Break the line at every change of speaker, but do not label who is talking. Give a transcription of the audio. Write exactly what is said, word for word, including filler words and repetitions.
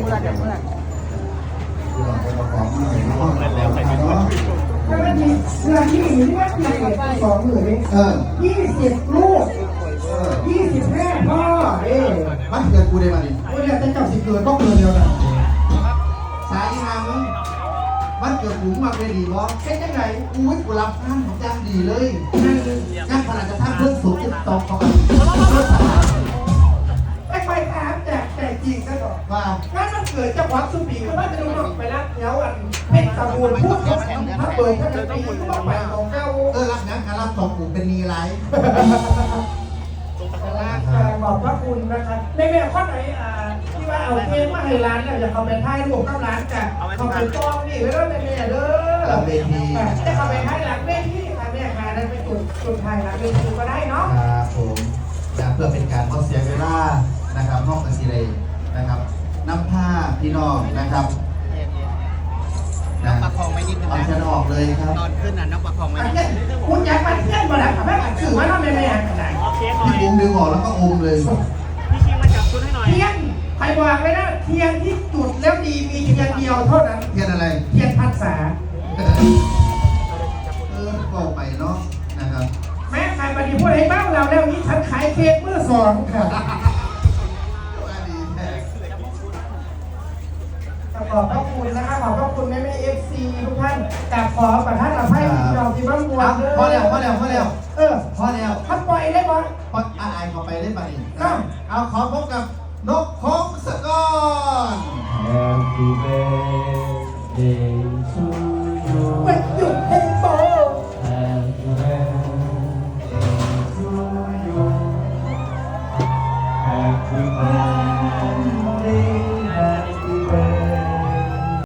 มื่อจะเมื่อ
แล้วใครเป็นคน
ถ้าไม่มีเสื้อที่มีที่ว่าเพียงสองหมื่นเองเออยี่สิบลูกยี่สิบแม่พ่อเอ๊ะมันเกิดกูได้มาดิกูเนี่ยจะจับสิเกิดก็เกิดเดียวกันสายงานมันเกิดหูมาเป็นดีบอสเป็นยังไงอุ้ยกูรับงานของจังดีเลยงานขนาดจะทำเพื่อนสูงจะตอกเข้าไปไม่ไปถามแต่แต่จริงซะก่อนว่างานมันเกิดจากวัดสุปีก็ว่าจะดูหน่อยไปรักแถวอันเป็นตะบูนพูดกับพระเบิดพระปีก็ต้องไปของเก้าเออรักงานการรับสองกูเป็นนีไรขอบพระคุณนะครับในแบบข้อไหนอ่าที่ว่าเอาเกมมาให้ร้านเนี่ยจะเขาไปท้ายรูปกับร้านจะเขาไปกองนี่แล้วในแม่เด้อหลังเวทีจะเขาไปท้ายหลังเวทีค่ะแม่ค่ะนั่นเป็นจุดจุดท้ายหลังเวทีก็ได้เนาะครับผมเพื่อเป็นการลดเสียเวลานะครับห้องกันซีเลยนะครับน้ำผ้าพี่น้องนะครับ
น้ำประคองไม่นิดนึง
เอา
นะ
จะออกเลยครับ
ตอนขึ้นน่ะน้ำประคองไม่นิดนึง
คุณอยากมาเที่ยวมาแล้วค่ะแม่ถือว่าทำไมไม่อยากไหนพี่บุ้มดึงออกแล้วก็อมเลย
พี่ชิงมาจับชุดให้หน่อย
เทียนใครบอกเลยนะเทียนที่จุดแล้วดีมีเทียนเดียวเท่านั้นเทียนอะไรเทียนพรรษาเออบอกไปเนาะนะครับแม่ขายปฏิพูดให้บ้างเราแล้วนี้ฉันขายเค้กเมื่อสองค่ะขอบพระคุณนะคะขอบพระคุณแม่แม่เอฟซีทุกท่านกับขอประทานอภัยที่เราที่บ้านบัวพอแล้วพอแล้วพอแล้วเออพอแล้วถ้าปล่อยได้ปะปล่อยอายเขาไปได้ปะนี่เอาขอพบกับนกพงศกร
Happy birthday to you
วันหยุดเฮงโบ
Happy birthday to you Happy birthday